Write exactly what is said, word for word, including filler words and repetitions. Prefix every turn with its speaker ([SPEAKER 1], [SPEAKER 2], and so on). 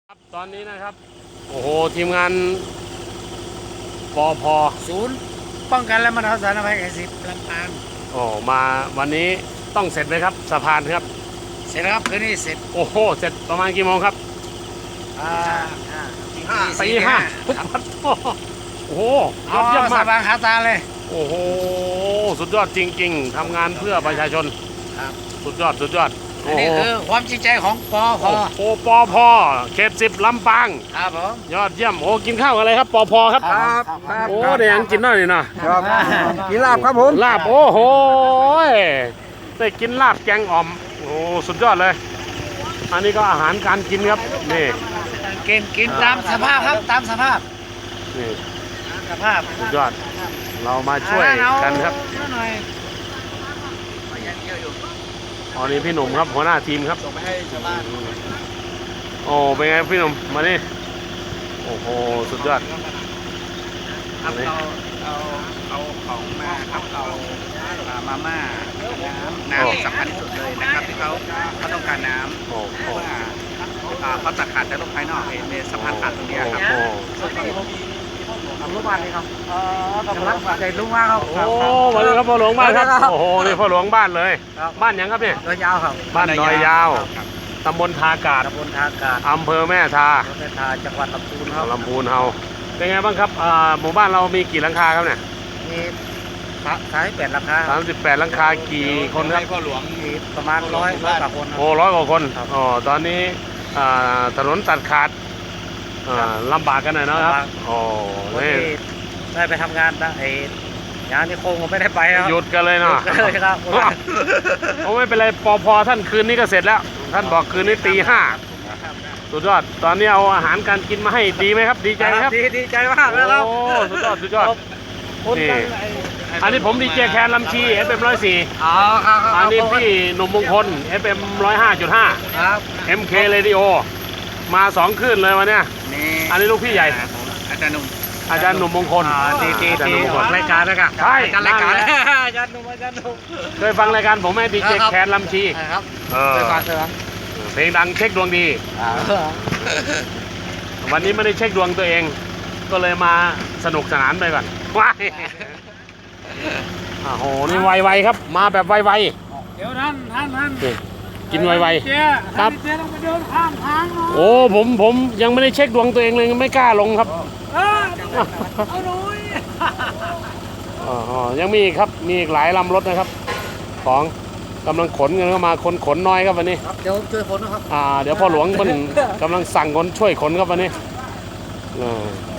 [SPEAKER 1] ครับตอนนี้นะครับโอ้โหทีมงานปอพ
[SPEAKER 2] ศูนย์ป้องกันและบรรเทาสาธารณภัยแห่งสิบลำปาง
[SPEAKER 1] โอ้มาวันนี้ต้องเสร็จไหมครับสะพานครับ
[SPEAKER 2] เสร็จแล้วครับคืนนี้เสร็จ
[SPEAKER 1] โอ้โหเสร็จประมาณกี่โมงครับ
[SPEAKER 2] อ่า
[SPEAKER 1] ตีห้าตีห้าโอ้โหยอดเยี่ยมมาก
[SPEAKER 2] สบางขาตาเลย
[SPEAKER 1] โอ้โหสุดยอดจริงๆทำงานเพื่อประชาชน
[SPEAKER 2] ครับ
[SPEAKER 1] สุดยอดสุดยอด
[SPEAKER 2] อันนี้คือความจริงใจของปอพ
[SPEAKER 1] โอ้ปอพเขตสิบลำปาง
[SPEAKER 2] ครับผม
[SPEAKER 1] ยอดเยี่ยมโอ้กินข้าวอะไรครับปอพครับ
[SPEAKER 2] ครับ
[SPEAKER 1] โอ้เดี๋ยวยังกินหน่อยนะ
[SPEAKER 3] กินลาบครับผม
[SPEAKER 1] ลาบโอ้โหได้กินลาบแกงอ่อมโอ้สุดยอดเลยอันนี้ก็อาหารการกินครับนี่
[SPEAKER 2] กินกินตามสภาพครับตามสภาพ
[SPEAKER 1] นี่
[SPEAKER 2] สภาพ
[SPEAKER 1] สุดยอดเรามาช่วยกันครับอ๋อนี่พี่หนุ่มครับหัวหน้าทีมครับส่งไปให้ชาวบ้านโอ้เป็นไงพี่หนุ่มมานี่โอ้โหสุดยอด
[SPEAKER 3] ครับเราเอาเอาของมาครับเอามาม่าน้ำน้ำสำคัญที่สุดเลยนะครับที่เขาเขาต้องการน้ำ
[SPEAKER 1] โอ้โห
[SPEAKER 3] เขาจะขาดแต่โรคภายนอกเห็นสะพานขาดตรงนี้ครับ
[SPEAKER 2] ทำรูปบ้านเลยครับอ๋อทำรูปบ้านใหญ่ลุงมากครับ
[SPEAKER 1] โอ้มาเลยครับพ่อหลวงบ้านครับโอ้โหนี่พ่อหลวงบ้านเลยบ้านยังครับเนี่ย
[SPEAKER 2] ดอยยาวครับ
[SPEAKER 1] บ้านดอยยาวตำบลทากาศ
[SPEAKER 2] ตำบลทากาศ
[SPEAKER 1] อำเภอแม่ทา
[SPEAKER 2] แม่ทาจังหวัดลำพูนครับ
[SPEAKER 1] ลำพูนเฮาเป็นไงบ้างครับหมู่บ้านเรามีกี่หลังคาครับเนี่ย
[SPEAKER 2] มีสามสิบแปดหลังคา
[SPEAKER 1] สามสิบแปดหลังคากี่คนครับ
[SPEAKER 3] พ่อหลวง
[SPEAKER 2] มีประมาณร้อยร้อยกว่าคน
[SPEAKER 1] โอ้ร้อยกว่าคนอ๋อตอนนี้ถนนตัดขาดลำบากกันหน่อยนะครับโอ้
[SPEAKER 2] นี่ได้ไปทำงานไอ้งานที่โคงผมไม่ได้ไปครับ
[SPEAKER 1] หยุดกันเลยเนาะ
[SPEAKER 2] เลยครับ
[SPEAKER 1] โอ้ไม่เป็นไรปอพท่านคืนนี้ก็เสร็จแล้วท่านบอกคืนนี้ตีห้าสุดยอดตอนนี้เอาอาหารการกินมาให้ดีไหมครับดีใจไหมครับ
[SPEAKER 2] ดีดีใจมากเลยครับ
[SPEAKER 1] โอ้สุดยอดสุดยอดนี่อันนี้ผมดีเจแคนลำชีเอฟเอ็มร้อยสี่
[SPEAKER 2] อ๋อครับ
[SPEAKER 1] อันนี้พี่หนุ่มมงคลเอฟเอ็มร้อยห้าจุดห้า
[SPEAKER 2] ครับ
[SPEAKER 1] เอ็มเคเรดิโอมาสองคืนเลยวันเนี้ยอันนี้ลูกพี่ใหญ่
[SPEAKER 3] อาจารย์หนุ่ม
[SPEAKER 1] อาจารย์หนุ่มมงคล
[SPEAKER 2] ดีดีดีออกรายการนะครับ
[SPEAKER 1] ใช่
[SPEAKER 2] การรายการอาจารย์หนุ่มอาจารย์หนุ่ม
[SPEAKER 1] เคยฟังรายการผมไหมดีเจแคนลำชี
[SPEAKER 2] ครับเคยฟังเคยฟัง
[SPEAKER 1] เพลงดังเช็คดวงดีวันนี้ไม่ได้เช็คดวงตัวเองก็เลยมาสนุกสนานไปก่อนว้ายโอ้โหนี่ไวๆครับมาแบบไว
[SPEAKER 2] ๆเดี๋ยวท่านท่านท่าน
[SPEAKER 1] กินไวๆครับ
[SPEAKER 2] เจ๊ต้องไปเดินข้ามทางเนาะ
[SPEAKER 1] โอ้ผมผมยังไม่ได้เช็คดวงตัวเองเลยไม่กล้าลงครับ
[SPEAKER 2] เอาหน่อย
[SPEAKER 1] อ๋อยังมีอีกครับมีอีกหลายลำรถนะครับของกำลังขนกันเข้ามาคนขนน้อยครับวันนี้
[SPEAKER 2] เดี๋ยวช่วยขนนะครับ
[SPEAKER 1] อ่าเดี๋ยวพ่อหลวงมันกำลังสั่งคนช่วยขนครับวันนี้